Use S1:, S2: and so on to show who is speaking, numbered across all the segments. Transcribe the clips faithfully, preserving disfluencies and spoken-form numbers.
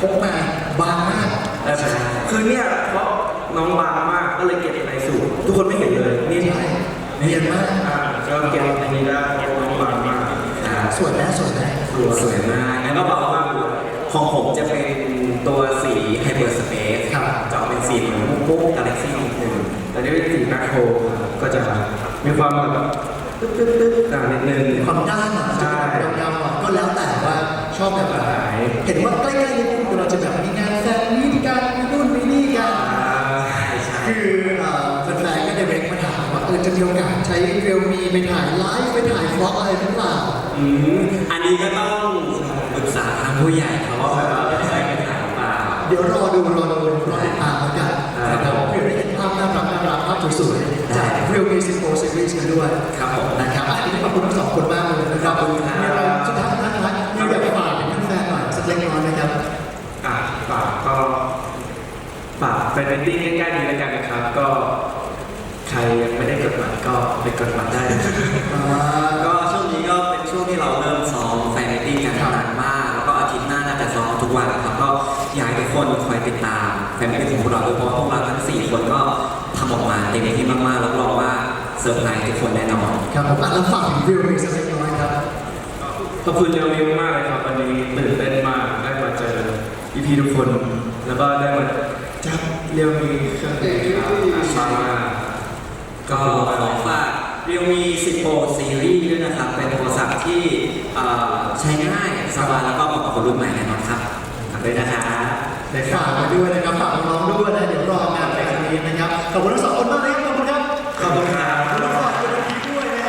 S1: พกมาบางมาก
S2: ใช่คือเนี่ยเพราะน้องบางมากก็เลยเก็บในสูตรทุกคนไม่เห็นเลยนี่
S1: ใช่เนียนมาก
S2: อ่าก็เก็บในนี้ได้น้องบางมาก
S1: อ่าสวยนะสวยนะ
S2: สวยสวยมากแล้วก็เบามากของผมจะเป็นตัวสีไฮเปอร์สเปซจะเป็นสีเหมือนมุกกาแล็กซี่นิดนึงแต่นี่เป็นสีแมคโครก็จะมีความแบบตึ๊ดตึ๊ดตึ๊ดอ่านิดนึง
S1: ความด้านอ่ะใช่ยาวๆก็แล้วแต่ว่าชอบแบบไหนเห็นว่าใกล้ๆนี้เราจะแบบมีงานแฟนมีการมีนู่นมีนี่กันคือแฟนๆก็ได้เบรกมาถามว่าเออจะมีโอกาสใช้เรียลมีไปถ่ายไลฟ์ไปถ่ายฟล็อกอะไรหรือเปล่า
S2: อืมอันนี้ก็ต้องปรึกษาทางผู้ใหญ่เขาว่าแบบจะใช้ไปถ่ายหรือเปล่า
S1: เดี๋ยวรอดูรอดูรอติดตามแล้วกันนะครับเพื่อได้เห็นภาพน่ารักน่ารักภาพสวยๆจากเรียลมีสิบโปรซีรีส์กันด้วย
S2: ครับผม
S1: นะครับอันนี้ขอบคุณทั้งสองคนมากเลยนะครับขอบคุณมีอะไรสุดท้ายนะครับมีแบบฝากถึงแฟนๆหน่อยสักเล็กน้อยนะครับ
S2: อ่ะฝากก็ฝากแฟนมิตติ้งใกล้ๆนี้แล้วกันนะครับก็ใครยังไม่ได้กดบัตรก็ไปกดบัตรได้ก็ช่วงนี้ก็เป็นช่วงที่เราเริ่มซ้อมแฟนมิตติ้งกันนานมากแล้วก็อาทิตย์หน้าน่าจะซ้อมทุกวันครับก็อยากให้ทุกคนคอยติดตามแฟนมิตติ้งของพวกเราโดยเฉพาะพวกเราทั้งสี่คนก็ทำออกมาเต็มที่มากๆรับรองว่าเซอร์ไพรส์ทุกคนแน่นอน
S1: ครับผมแล้วฝากถึงวิวมีสักเล็กน้อยครับ
S2: ขอบคุณเรียวมิวมากเลยครับวันนี้ตื่นเต้นมากได้มาเจอพี่ๆทุกคนแล้วก็ได้มาจับเรียวมีเครื่องดื่มมาก็ขอฝากเรียวมีสิบโปรซีรีส์ด้วยนะครับเป็นโทรศัพท์ที่ใช้ง่ายสบายแล้วก็เหมาะกับคนรุ่นใหม่แน่นอนครับฝากด้วยนะครับ
S1: ได้ฝากไว้ด้วยนะครับฝากน้องๆด้วยนะเดี๋ยวรองานแบบนี้นะครับขอบคุณทั้งสองคนมากเลยขอบคุณครับ
S2: ขอบคุณครับ
S1: ขอบคุณฝากคุณทีด้วยนะ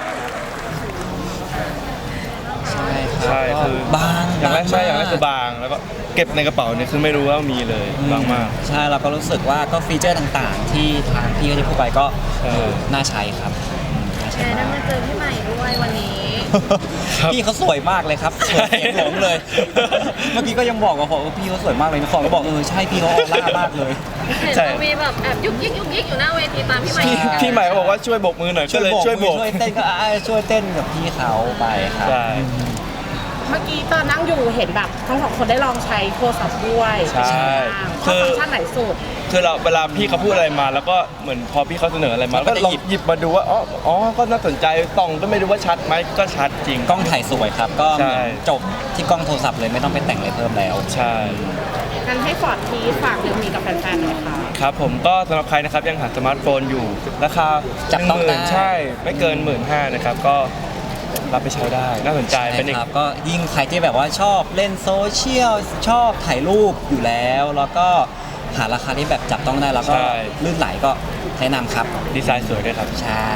S3: ใช่ใช่คือบางอย่างแรกใช่อย่างแรกคือบางแล้วก็เก็บในกระเป๋าเนี่ยคือไม่รู้ว่ามีเลยบางมาก
S4: ใช่เราก็รู้สึกว่าก็ฟีเจอร์ต่างๆที่ทางพี่ที่พูดไปก็น่าใช้ครับ
S5: แชร์ได้มาเจอพี่ใหม่ด้วยวันนี้
S4: พี่เขาสวยมากเลยครับสวยเสียงหลงเลยเมื่อกี้ก็ยังบอกว่าพี่เขาสวยมากเลยนะฟองก็บอกเออใช่พี่เขาออร่ามากเลย
S5: ใช่มีแบบแอบยุกยิกยุกยิกอยู่หน้าเวทีตามพี่ใหม่
S3: พี่ใหม่บอกว่าช่วยโบกมือหน่อยก็เลยช่วยโบก
S4: ช่วยเต้นก็ช่วยเต้นกับพี่เขาไปครับ
S5: เมื่อกี้ตอนนั่งอยู่เห็นแบบทั้งสองคนได้ลองใช้โทรศัพท์ด้วย
S3: ใช่
S5: คือฟังก์ชันไหนสุด
S3: คือเราเวลาพี่เขาพูดอะไรมาแล้วก็เหมือนพอพี่เขาเสนออะไรมาก็ลองหยิบมาดูว่าอ๋ออ๋อก็น่าสนใจส่องก็ไม่รู้ว่าชัดไหมก็ชัดจริง
S4: กล้องถ่ายสวยครับก็เหมือนจบที่กล้องโทรศัพท์เลยไม่ต้องไปแต่งอะไรเพิ่มแล้ว
S3: ใช่
S5: งั้นให้ฟอร์ดทีฝากเรื่องนี้กับแฟนๆหน่อยค่ะ
S3: ครับผมก็สำหรับใครนะครับยังหาสมาร์ทโฟนอยู่ราคา
S4: จับต้องได้
S3: ใช่ไม่เกินหมื่นห้านะครับก็รับไปใช้ได้น่าสนใจเป็นอีก
S4: ก็ยิ่งใครที่แบบว่าชอบเล่นโซเชียลชอบถ่ายรูปอยู่แล้วแล้วก็หาราคาที่แบบจับต้องได้แล้วก็ลื่นไหลก็แนะนำครับ
S3: ดีไซน์สวยด้วยครับ
S4: ใช่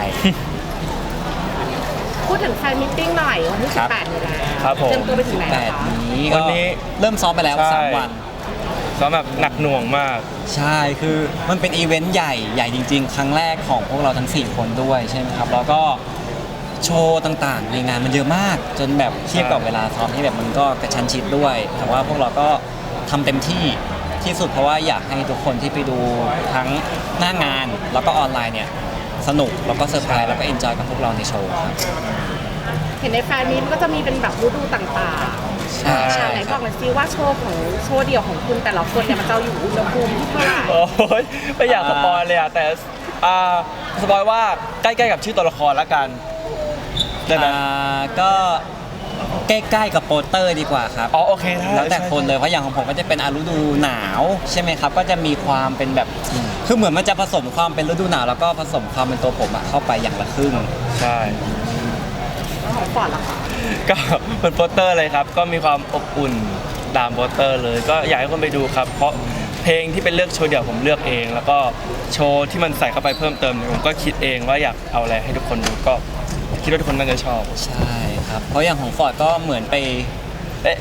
S5: พูดถึงแฟนมิทติ้งหน่อยวันที่สิบแปดนี่แหละ
S3: ครับผม
S5: เตรียมตัวไปถึงไหน
S4: แล้ว
S5: คะ
S4: วันนี้เริ่มซ้อมไปแล้วสามวัน
S3: ซ้อมแบบหนักหน่วงมาก
S4: ใช่คือมันเป็นอีเวนต์ใหญ่ใหญ่จริงๆครั้งแรกของพวกเราทั้งสี่คนด้วยใช่ไหมครับแล้วก็โชว์ต่างๆในงานมันเยอะมากจนแบบเทียบกับเวลาซ้อมที่แบบมันก็กระชั้นชิดด้วยแต่ว่าพวกเราก็ทำเต็มที่ที่สุดเพราะว่าอยากให้ทุกคนที่ไปดูทั้งหน้างานแล้วก็ออนไลน์เนี่ยสนุกแล้วก็เซอร์ไพรส์แล้วก็เอนจอยกับพวกเราในโชว์ครับ
S5: เห็นในแฟนมีตก็จะมีเป็นแบบฤดูต่างๆใช่ใช่ไหนบอกหน่อยซิว่าโชว์ของโชว์เดี่ยวของคุณแต่ละคนเนี่ยมันจะอยู่อุณหภูมิที่เท่าไหร่
S3: โอ้ยไม่อยากสปอยเลยอะแต่สปอยว่าใกล้ๆกับชื่อตัวละครละกัน
S4: ได้ไหมก็ใกล้ๆกับโปสเตอร์ดีกว่าครับ
S3: อ๋อโอเคได้
S4: แล้วแต่คนเลยเพราะอย่างของผมก็จะเป็นฤดูหนาวใช่ไหมครับก็จะมีความเป็นแบบคือเหมือนมันจะผสมความเป็นฤดูหนาวแล้วก็ผสมความเป็นตัวผมเข้าไปอย่างละครึ่ง
S3: ใช่
S5: แล้วของฟอร์ดล่ะคะ
S3: ก็เป็นโปสเตอร์เลยครับก็มีความอบอุ่นตามโปสเตอร์เลยก็อยากให้คนไปดูครับเพราะเพลงที่เป็นเลือกโชว์เดี่ยวผมเลือกเองแล้วก็โชว์ที่มันใส่เข้าไปเพิ่มเติมผมก็คิดเองว่าอยากเอาอะไรให้ทุกคนดูก็คิดว่าทุกคนน่าจะชอบ
S4: ใช่ครับเพราะอย่างของฟอร์ดก็เหมือนไปเอ๊ะ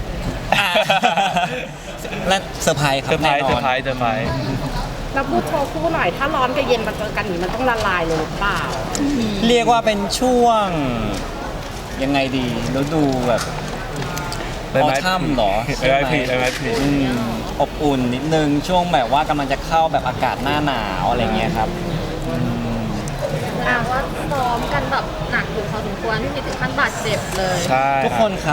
S4: และเซอร์ไพรส์ครับแน่นอน
S3: เซอร์ไพรส์เซอร์ไพรส์
S5: แล้วพูดโชว์คู่หน่อยถ้าร้อนกับเย็นมาเจอกันนี่มันต้องละลายเลยหรือเปล่า
S4: เรียกว่าเป็นช่วงยังไงดีฤดูแบบออทัมหรอ
S3: ใช่ไหมใช่ไหม
S4: อบอุ่นนิดนึงช่วงแบบว่ากำลังจะเข้าแบบอากาศหน้าหนาวอะไรเงี้ยครับ
S5: แปลว่าซ้อมกันแบบหนักอยู่พอสมควรที่มีถึงขั้นบาดเจ็บเลย
S3: ใช่
S4: ทุกคนครับ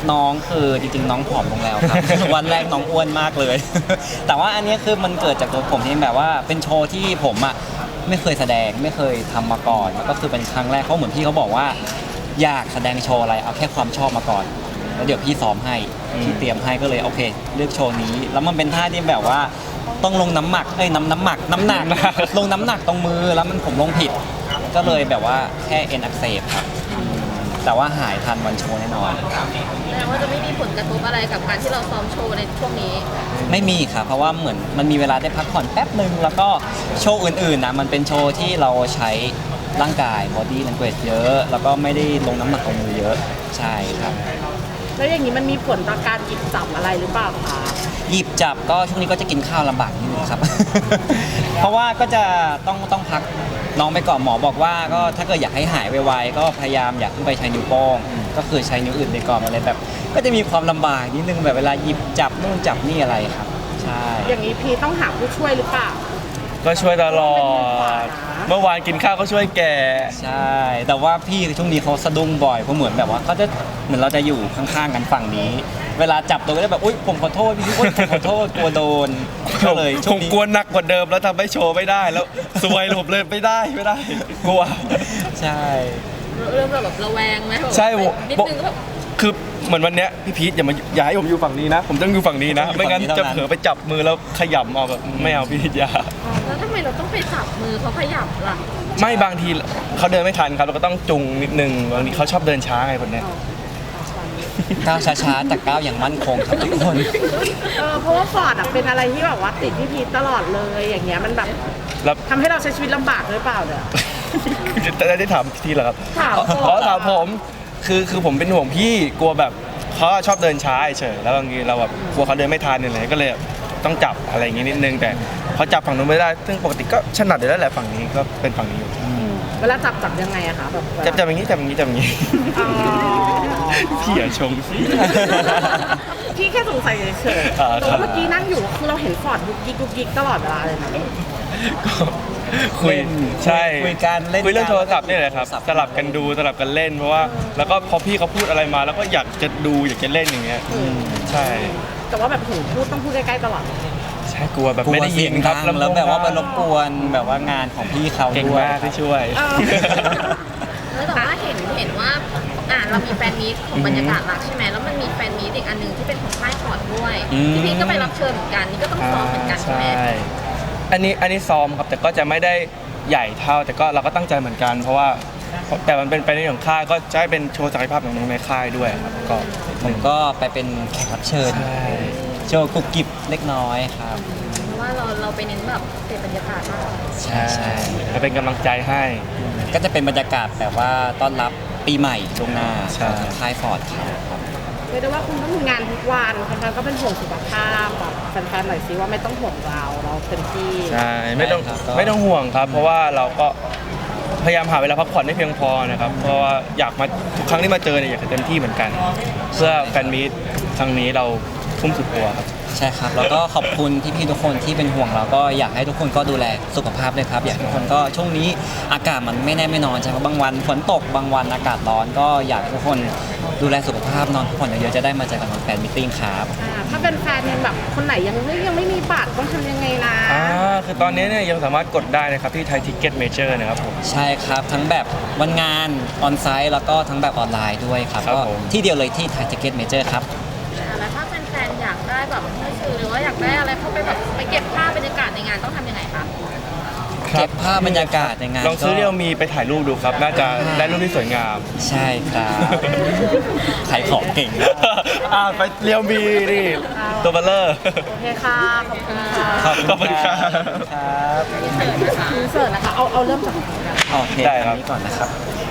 S4: น้องคือจริงๆน้องผอมลงแล้วครับ วันแรกน้องอ้วนมากเลย แต่ว่าอันนี้คือมันเกิดจากตัวผมที่แบบว่าเป็นโชว์ที่ผมอ่ะไม่เคยแสดงไม่เคยทำมาก่อนแล้วก็คือเป็นครั้งแรกเขาเหมือนพี่เขาบอกว่าอยากแสดงโชว์อะไรเอาแค่ความชอบมาก่อนแล้วเดี๋ยวพี่ซ้อมให้พี่เตรียมให้ก็เลยโอเคเลือกโชว์นี้แล้วมันเป็นท่าที่แบบว่าต้องลงน้ำหมักเอ้ยน้ำน้ำหมักน้ำหนัก ลงน้ำหนักตรงมือแล้วมันผมลงผิด ก็เลยแบบว่าแค่เอ็นอักเสบครับแต่ว่าหายทันวันโชว์แน่นอน
S6: แสดงว่าจะไม่มีผลกระทบอะไรกับการที่เราซ้อมโชว์ในช่วงนี้
S4: ไม่มีครับเพราะว่าเหมือนมันมีเวลาได้พักผ่อนแป๊บหนึ่งแล้วก็โชว์อื่นๆนะมันเป็นโชว์ที่เราใช้ร่างกาย body language เยอะ แล้วก็ไม่ได้ลงน้ำหนักตรงมือเยอะใช่ครับ
S5: แล้วอย่างนี้มันมีผลต่อการหยิบจับอะไรหรือเปล่าคะ
S4: หยิบจับก็ช่วงนี้ก็จะกินข้าวลำบากนิดนึงครับ เพราะว่าก็จะต้องต้องพักน้องไปก่อนหมอบอกว่าก็ถ้าเกิดอยากให้หายไวๆก็พยายามอยากขึ้นไปใช้นิ้วโป้งก็คือใช้นิ้วอื่นไปก่อนอะไรแบบ ก็จะมีความลำบากนิดนึงแบบเวลาหยิบจับนู่นจับนี่อะไรครับใช่
S5: อย่างนี้พีต้องหาผู้ช่วยหรือเปล่า
S3: ก็ช่วยตลอด เมื่อวานกินข้าวก็ช่วยแก
S4: ใช่ แต่ว่าพี่ช่วงนี้เขาสะดุ้งบ่อยเพราะเหมือนแบบว่าเขาจะเหมือนเราจะอยู่ข้างๆกันฝั่งนี้ เวลาจับตัวก็จะแบบอุ้ยผมขอโทษพี่อุ้ยผมขอโทษกลัวโดนก็เลย
S3: ผ
S4: ช่วง
S3: ม
S4: นี้
S3: กลัวหนักกว่าเดิมแล้วทำให้โชว์ไม่ได้แล้วสวยหลบเลยไม่ได้ไม่ได้ กลัว
S4: ใช่
S6: เริ่มแบบระแวงไหมแบบ
S3: ใช่
S6: นิดนึงก็แบบ
S3: คือเหมือนวันเนี้ยพี่พีทอย่ามาอย่าให้ผมอยู่ฝั่งนี้นะ ผมต้องอยู่ฝั่งนี้นะ ไม่งั้นจะเผลอไปจับมือแล้วขยำเอาแบบไม่เอาพี่พีทอย่า
S6: แล้วทำไมเราต้องไปจับมือเขาขยับล่ะ
S3: ไม่บางทีเขาเดินไม่ทันครับเราก็ต้องจุงนิดนึงบางทีเขาชอบเดินช้าไงคนเนี้ย
S4: ก้าวช้าๆแต่ก้าวอย่างมั่นคงครับทุกคน
S5: เออเพราะว่าฟอร์ดอะเป็นอะไรที่แบบว่าติดพี่พีทตลอดเลยอย่างเงี้ยมันแบบ
S3: แล้ว
S5: ทำให้เราใช้ชีวิตลำบากหรือเปล่าเนี่ย
S3: จะได้ถามทีเหรอครับ
S5: ถามผม
S3: อ๋อถามผมคือคือผมเป็นห่วงพี่กลัวแบบเขาชอบเดินช้าเฉยแล้วบางทีเราแบบกลัวเขาเดินไม่ทันอะไรก็เลยต้องจับอะไรอย่างงี้นิดนึงแต่เขาจับฝั่งนู้นไม่ได้ซึ่งปกติก็ถนัดอยู่แล้วแหละฝั่งนี้ก็เป็นฝั่งนี้อยู่
S5: เวลาจับจับยังไงอะคะแบบเวลา
S3: จับจับอย่างนี้จับอย่างนี้จับอย่างนี้
S5: อ๋อ
S3: พี่อย่าชม
S5: พี่แค่สงสัยเฉย
S3: อ่า
S5: ๆแต่ว่าเมื่อกี้นั่งอยู่คือเราเห็นฟอร์ดยุกยิกยุกยิกตลอดเวลาเลยนะ
S3: ก็คุย
S4: เล่น
S3: ใช่
S4: คุยกันเล่น
S3: คุยเรื่อง
S4: กัน
S3: โทรศัพท์นี่แหละครับ
S4: โทรศัพท์
S3: สลับกันดูสลับกันเล่นเพราะว่าแล้วก็พอพี่เขาพูดอะไรมาแล้วก็อยากจะดูอยากจะเล่นอย่างเงี้ยใช่
S5: แต่ว่าแบบถึงพูดต้องพูดใกล้ๆตลอด
S3: ใช่กลัวแบบ
S4: กลั
S3: ไม่
S4: ว
S3: ได้
S4: เสี
S3: ยิ
S4: ย
S3: น
S4: ง
S3: ค
S4: ดั
S3: รับ
S4: งแล้วแบบว่าไปรบกวนแบบว่างานของพี่เขา
S3: เก่ง
S4: ด้วย
S3: มากที่ช่วย
S5: เออ
S6: แล้วแต่ว่าเห็นเห็นว่าอ่าเรามีแฟนมีตของบรรยากาศรักใช่ไหมแล้วมันมีแฟนมีตอีกอันหนึงที่เป็นของค่ายพอร์ตด้วย
S4: อืม
S6: พี่พีทก็ไปรับเชิญเหมือนกันนี่ก็ต้องซ้อมเหมือนกันใช่ไหม
S3: อันนี้อันนี้ซ้อมครับแต่ก็จะไม่ได้ใหญ่เท่า แต่ก็เราก็ตั้งใจเหมือนกัน เพราะว่าแต่มันเป็นไปในของค่ายก็จะให้เป็นโชว์ศักยภาพของน้องในค่ายด้วยครับก็
S4: ผมก็ไปเป็นแขกรับเชิญ
S3: ใช่
S4: โชว์กุบกิบเล็กน้อยครับ
S6: เพราะว่าเราเราไปเน้นแบบเสพบรรยากาศมากกว่า
S4: ใช่ใช่
S3: จะเป็นกำลังใจให้
S4: ก็จะเป็นบรรยากาศแบบว่าต้อนรับปีใหม่ล่วงหน้า
S3: ใช่
S4: ของค่ายฟอร์ดครับ
S5: เรียกได้ว่าคุณต้องมีงานทุกวันแฟนๆก็เป็นห่วงสุขภาพบอกแฟนๆหน่อยสิว่าไม่ต้องห่วงเราเราเต็มที่
S3: ใช่ไม่ต้อง
S4: ใช่ครับก็
S3: ไม่ต้องห่วงครับ เพราะว่าเราก็พยายามหาเวลาพักผ่อนให้เพียงพอนะครับ เพราะว่าอยากมาทุกครั้งที่มาเจอเนี่ยอยากจะเต็มที่เหมือนกัน เพื่อแฟนมีตครั้งนี้เราทุ่มสุดตัวครับ
S4: ใช่ครับ แล้วก็ขอบคุณพี่ๆทุกคนที่เป็นห่วงเราก็อยากให้ทุกคนก็ดูแลสุขภาพเลยครับ อยากให้ทุกคนก็ช่วงนี้อากาศมันไม่แน่ไม่นอนใช่ไหมบางวันฝนตกบางวันอากาศร้อนก็อยากให้ทุกคนดูแลสุขภาพนอนพักผ่อนเยอะๆจะได้มาเจอกันวันแฟนมิทติ้งครับ
S5: อ่าถ้าเป็นแฟนยังแบบคนไหนยังไม่ยังไม่มีบัตรต้องทำยังไงนะ
S3: อ่าคือตอนนี้เนี่ยยังสามารถกดได้นะครับที่ไทยทิกเก็ตเมเจอร์นะครับผม
S4: ใช่ครับ ทั้งแบบวันงานออนไซต์แล้วก็ทั้งแบบออนไลน์ด้วยครับ
S3: ครับ
S4: ก็
S3: ผม
S4: ที่เดียวเลยที่ไทยทิเก็ตเมเจอร์ครับ
S6: อ่าแล้วถ้าแฟนๆอยากได้แบบหนังสือหรือว่าอยากได้อะไรเข้าไปแบบไปเก็บภาพบรรยากาศในงานต้องทำยังไงคะ
S4: เก็บภาพบรรยากาศในงาน
S3: ลองซื้อ
S4: ก็
S3: เรียวมีไปถ่ายรูปดูครับ น่าจะได้รูปที่สวยงาม
S4: ใช่ครับ ขายของเก่งนะ
S3: อ่าไปเรียวมีนี่ตัวเบลเลอร์
S5: โอเคค่ะขอบคุณค่ะ
S3: ขอบคุณครับ
S4: ครับ
S5: อินเสิร์ตนะคะเอาเอาเริ่มจากไหนกัน
S4: โอเค
S3: ได้ครับ
S4: อันนี้ก่อนนะครับ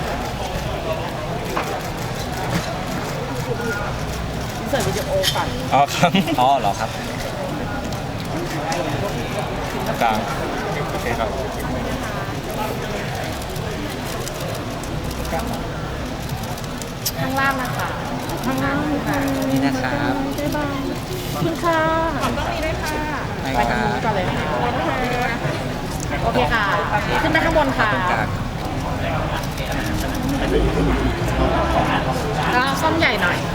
S5: อินเสิร์ตวิดีโอก่อน
S3: อ๋อครับ
S4: อ๋อเหรอครับ
S3: กลางโอเคครับ
S5: ข้างล่างนะคะข้างล่างค่ะ
S4: นี่นะครับ
S5: บ๊ายบายขอบคุณค่ะขอบต้องมีด้วยค่ะ
S4: ได้
S5: ไป
S4: ค
S5: ทาง
S4: รับ
S5: นู้นก่อนเลยค่ะโอเคค่ะ ขึ้นไปข้างบนค่ะ
S4: ตรงกลาง
S5: แล้วซ่อมใหญ่หน่อย